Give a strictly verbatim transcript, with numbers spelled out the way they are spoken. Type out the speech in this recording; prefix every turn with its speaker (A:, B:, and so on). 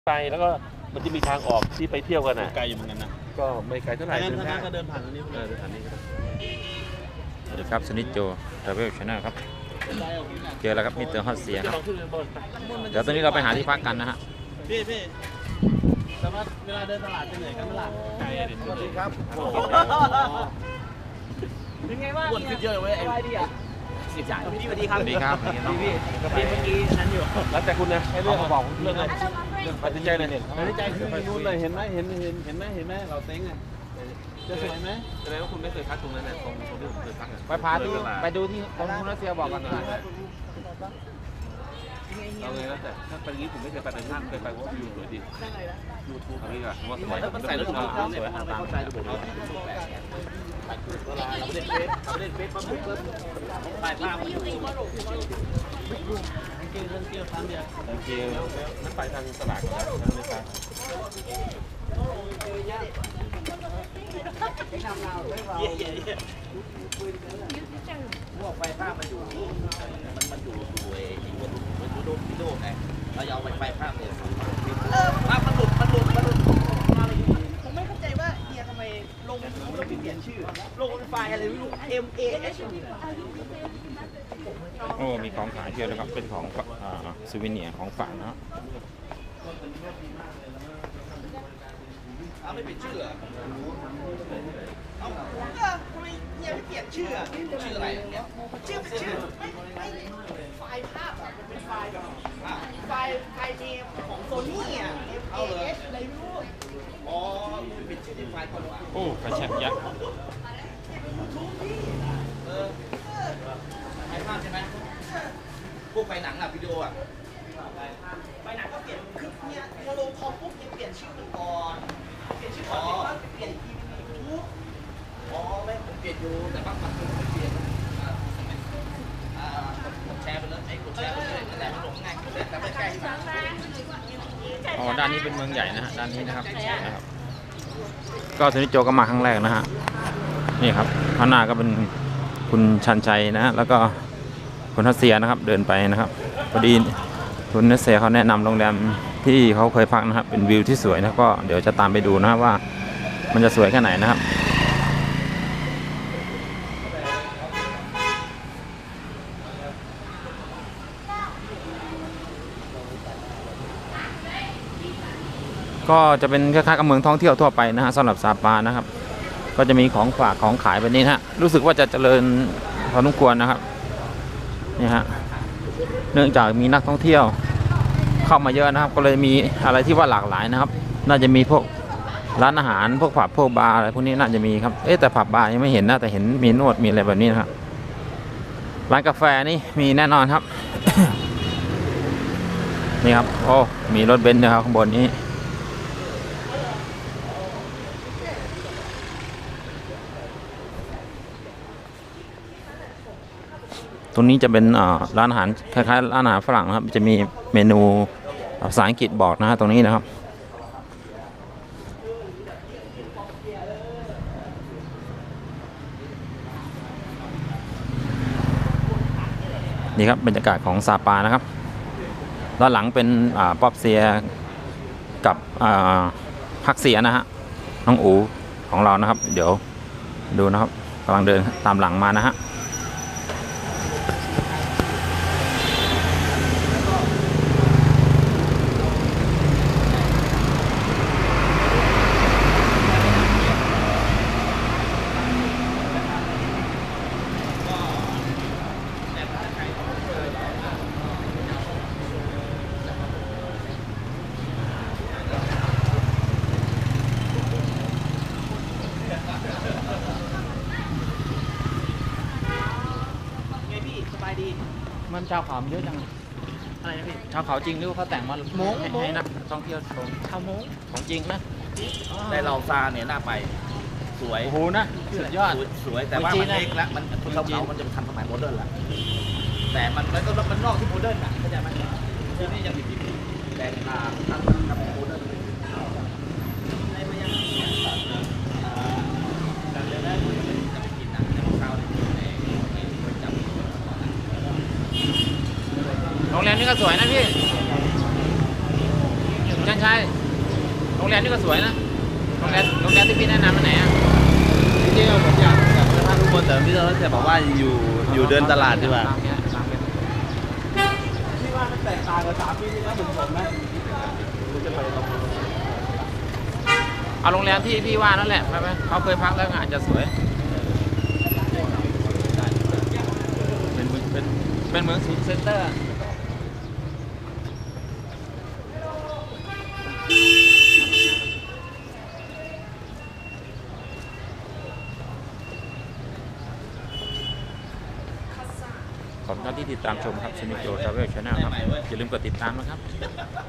A: ไปแล้วก็มันจะมีทางออกที่ไปเที่ยวกันนะ
B: ไกลอยู่เหมือนกันนะ
A: ก็ไม่ไกลเท่าไหร่
B: เดินผ่านก็เดินผ่านตรงนี้
A: เออเดินผ่านนี้
C: สวัสดีครับสนิทโจทราเวลชาแนลครับเจอแล้วครับมิสเตอร์ฮอตเสียครับเดี๋ยวตอนนี้เราไปหาที่พักกันนะฮะ
B: พี่พี่แต่ว่าเวลาเดินตลาดจะเหนื่อยกันตลาดไกลอะดิสวัสดีครับ
D: เป็นไงบ้าง
B: วนขึ้นเยอะเลยไอ้
D: ดีอ่ะสิบจ่ายพี่สวัสดีครับ
C: สวัสดีครับ
D: พี่พี่พี่เมื่อกี้นั้นอยู่
A: แล้วแต่คุณนะให้เรื่องมาบอกเรื่องอะไรตัดสินใจเลยเนี่ย
B: ตัดสินใจคือไปนู้นเลยเห็นไหมเห็นเห็นเห็นไหมเห็นไหมเราเซ้งไงจะสวยไหม
A: แสดงว่าคุณไม่เคยพักตรงนั้นนะตรงตรงที่ผมเคยพักอ่ะ
C: ไปพาดูไปดูที่ตรงคุณรัสเซียบอกกันนะ
A: เอาไงแล้วแต่ถ้าไปงี้ผมไม่เคยไปแต่ท่านเคยไปว่าวิวสวยดียูทูบอะไรกันว่าสวย
B: มันใส่รถถูกต้องเนี่ยมันไม่เข้าใจระบบเราเวลาเราเล่นเฟซเราเล่นเฟซปั๊บปุ๊บถ่ายภาพมันอยู่เกี่ยวเรื่องเกี่ยวทางเดียว
A: เกี่ยวนั่นไปทางตลาดก่อนนะไม่ใช่
D: พวกไฟภาพมันอยู่มันมันอยู่อยู่ไอ้ที่มันมันดูโดนวิดีโอไงเราเอาไฟภาพเนี่ยเออภาพมันหลุดมันหลุดมันหลุดผมไม่เข้าใจว่าเฮียทำไมลงลงเปลี่ยนชื่อลงไฟอะไรไม่รู้ M A H
C: โอ้มีของขายเยอะเลยครับเป็นของซูวิเนียร์ของฝากนะ
D: เอาไม่เปลี่ยนชื่อเหรอเอาทำไมเฮียไม่เปลี่ยนชื่อชื่ออะไรเนี่ยชื่อเป็นชื่อไม่ไม่ไฟล์ภาพอะมันเป็นไฟล์แบบไฟล์ไฟล์เนมของโซนี่อ่ะ M A H อะไรไม่รู้อ๋อเป็นชื่อที่ไฟล์คนว่า
C: โอ้กระแชกยักษ์
D: เออไฟล์ภาพใช่ไหมพวกไฟหนังอะวิดีโออะไฟหนังก็เปลี่ยนคือเนี่ยพอลงคอมปุ๊บเปลี่ยนชื่อก่อนเปลี่ยนชื่อก่อนว่าเปลี่ยนทีวียูทูบอ๋อไม่ผมเปลี่ยนอยู่แต่บางบางคนไม่เปลี่ยนอ่ากดแชร์ไปเลยไอ้กดแชร์ไปเลยนั่นแหละมันหลงง่ายแต่ไม่ใกล้
C: อ๋อด้านนี้เป็นเมืองใหญ่นะฮะด้านนี้นะครับนะครับก็สนิทโจก็มาครั้งแรกนะฮะนี่ครับข้างหน้าก็เป็นคุณชันชัยนะฮะแล้วก็คุณฮัสเซียนะครับเดินไปนะครับพอดีคุณฮัสเซียเขาแนะนำโรงแรมที่เขาเคยพักนะครับเป็นวิวที่สวยนะก็เดี๋ยวจะตามไปดูนะว่ามันจะสวยแค่ไหนนะครับก็จะเป็นคล้ายๆกับเมืองท่องเที่ยวทั่วไปนะฮะสำหรับซาปานะครับก็จะมีของฝากของขายแบบนี้นะฮะรู้สึกว่าจะเจริญพอสมควรนะครับนี่ฮะเนื่องจากมีนักท่องเที่ยวเข้ามาเยอะนะครับก็เลยมีอะไรที่ว่าหลากหลายนะครับน่าจะมีพวกร้านอาหารพวกผับพวกบาร์อะไรพวกนี้น่าจะมีครับเอ๊ะแต่ผับบาร์ยังไม่เห็นนะแต่เห็นมีนวดมีอะไรแบบนี้นะครับร้านกาแฟนี่มีแน่นอนครับ นี่ครับโอ้มีรถเบนซ์นะครับข้างบนนี้ตรงนี้จะเป็นร้านอาหารคล้ายๆร้านอาหารฝรั่งนะครับจะมีเมนูภาษาอังกฤษบอกนะฮะตรงนี้นะครับนี่ครับบรรยากาศของซาปานะครับด้านหลังเป็นป๊อบเซียกับพักเสียนะฮะน้องอูของเรานะครับเดี๋ยวดูนะครับกำลังเดินตามหลังมานะฮะมันชาวเขาเยอะจังอะไรนะพี่ชาวเขาจริงหรือเขาแต่งมาโม้ให้นักท่องเที่ยวชมชาวโม้ของจริงนะ
D: ได้เราซาเนี่ยน่าไปสวย
C: โอ้โหนะสุดยอด
D: สวยแต่ว่ามันเล็กละมันคนเขาเขามันจะทำสมัยโมเดิร์นละแต่มันมันก็มันนอกที่โมเดิร์นนะเข้าใจไหมที่นี่ยังมีที่แต่งตาทำทำโมเดิร์นในมันยังแต่เดี๋ยวได้จะไปกินนะในมะพร้าวในในในจับ
C: โรงแรมนี้ก็สวยนะพี่ชันชัยโรงแรมนี่ก็สวยนะโรงแรมโรงแรมที่พี่แนะนำมันไหนอ่ะ
B: จริงๆผมอยากอยากไปพักทุกคนแต่พี่เราจะบอกว่าอยู่อยู่เดินตลาดดีกว่า
C: ตามเนี้ยตามเนี้ย
B: พี่ว่ามันแตกต่างกับสามปีที่แล้วผมผมนะจะไปตรง
C: เอาโรงแรมที่พี่ว่านั่นแหละไปไหมเขาเคยพักแล้วอาจจะสวยเป็นเมืองเป็นเป็นเมืองศูนย์เซ็นเตอร์ขอบคุณที่ติดตามชมครับชนิดโจทราเวลชาแนลครับอย่าลืมกดติดตามนะครับ